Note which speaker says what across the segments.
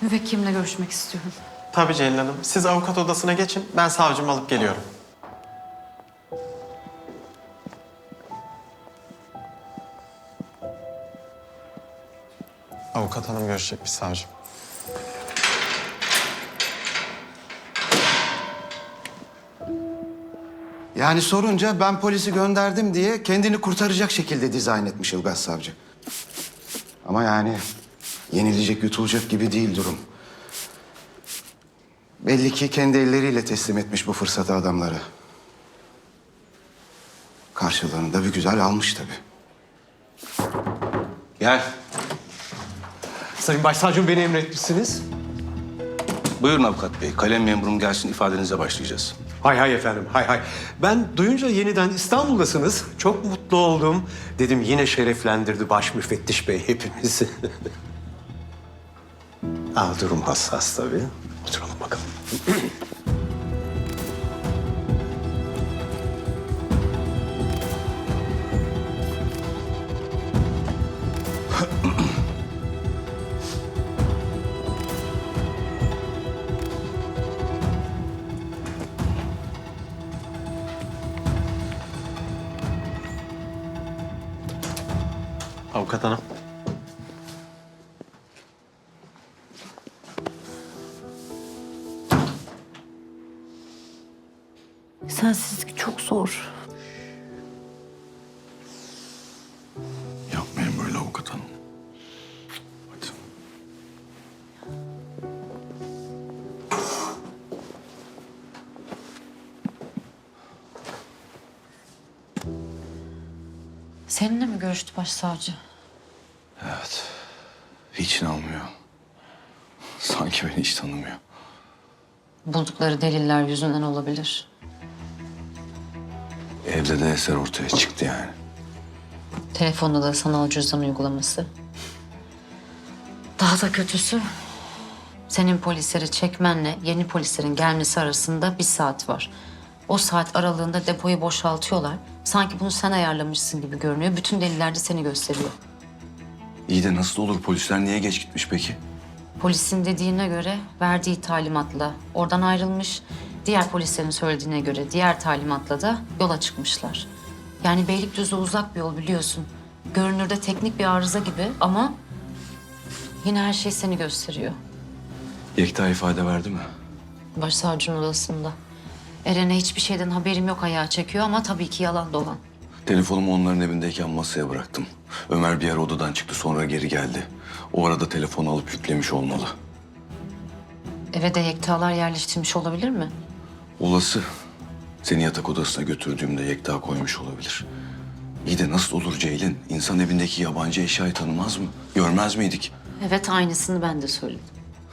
Speaker 1: Müvekkilimle görüşmek istiyorum.
Speaker 2: Tabii Ceylin Hanım. Siz avukat odasına geçin. Ben savcımı alıp geliyorum. Avukat hanım görüşecekmiş savcım.
Speaker 3: Yani sorunca ben polisi gönderdim diye kendini kurtaracak şekilde dizayn etmiş Ilgaz Savcı. Ama yani yenilecek, yutulacak gibi değil durum. Belli ki kendi elleriyle teslim etmiş bu fırsatı adamlara. Karşılığını da bir güzel almış tabii. Gel.
Speaker 4: Sayın Başsavcım beni emretmişsiniz.
Speaker 5: Buyurun avukat bey. Kalem memurum gelsin, ifadenize başlayacağız.
Speaker 4: Hay hay efendim, hay hay. Ben duyunca yeniden İstanbul'dasınız. Çok mutlu oldum. Dedim yine şereflendirdi baş müfettiş bey hepimizi. Durum hassas tabii. Oturalım bakalım.
Speaker 2: Avukat hanım.
Speaker 1: Sensizlik çok zor.
Speaker 5: Yapmayın böyle avukat hanım. Hadi.
Speaker 1: Seninle mi görüştü başsavcı?
Speaker 5: Evet. Hiç inanmıyor. Sanki beni hiç tanımıyor.
Speaker 1: Buldukları deliller yüzünden olabilir.
Speaker 5: Evde de eser ortaya çıktı yani.
Speaker 1: Telefonda da sanal cüzdan uygulaması. Daha da kötüsü, senin polisleri çekmenle yeni polislerin gelmesi arasında 1 saat var. O saat aralığında depoyu boşaltıyorlar. Sanki bunu sen ayarlamışsın gibi görünüyor. Bütün deliller de seni gösteriyor.
Speaker 5: İyi de nasıl olur? Polisler niye geç gitmiş peki?
Speaker 1: Polisin dediğine göre verdiği talimatla oradan ayrılmış. Diğer polislerin söylediğine göre diğer talimatla da yola çıkmışlar. Yani Beylikdüzü uzak bir yol biliyorsun. Görünürde teknik bir arıza gibi ama yine her şey seni gösteriyor.
Speaker 5: Yekta ifade verdi mi?
Speaker 1: Başsavcının odasında. Eren'e hiçbir şeyden haberim yok ayağa çekiyor ama tabii ki yalan dolan.
Speaker 5: Telefonumu onların evindeyken masaya bıraktım. Ömer bir ara odadan çıktı, sonra geri geldi. O arada telefonu alıp yüklemiş olmalı.
Speaker 1: Eve de Yekta'lar yerleştirmiş olabilir mi?
Speaker 5: Olası. Seni yatak odasına götürdüğümde Yekta koymuş olabilir. İyi de nasıl olur Ceylin? İnsan evindeki yabancı eşyayı tanımaz mı? Görmez miydik?
Speaker 1: Evet, aynısını ben de söyledim.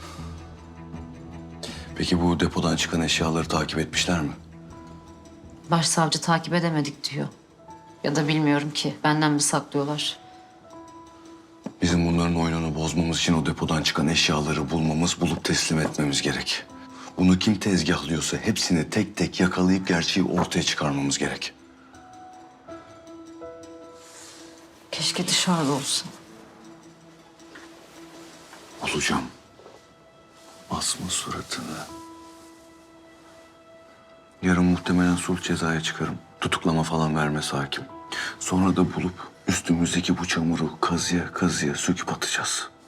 Speaker 5: Peki bu depodan çıkan eşyaları takip etmişler mi?
Speaker 1: Başsavcı takip edemedik diyor. Ya da bilmiyorum ki, benden mi saklıyorlar?
Speaker 5: Bizim bunların oyununu bozmamız için o depodan çıkan eşyaları bulmamız, bulup teslim etmemiz gerek. Bunu kim tezgahlıyorsa hepsini tek tek yakalayıp gerçeği ortaya çıkarmamız gerek.
Speaker 1: Keşke dışarıda olsa.
Speaker 5: Bulacağım. Asma suratını. Yarın muhtemelen sulh cezaya çıkarım. Tutuklama falan vermez hakim. Sonra da bulup üstümüzdeki bu çamuru kazıya kazıya söküp atacağız.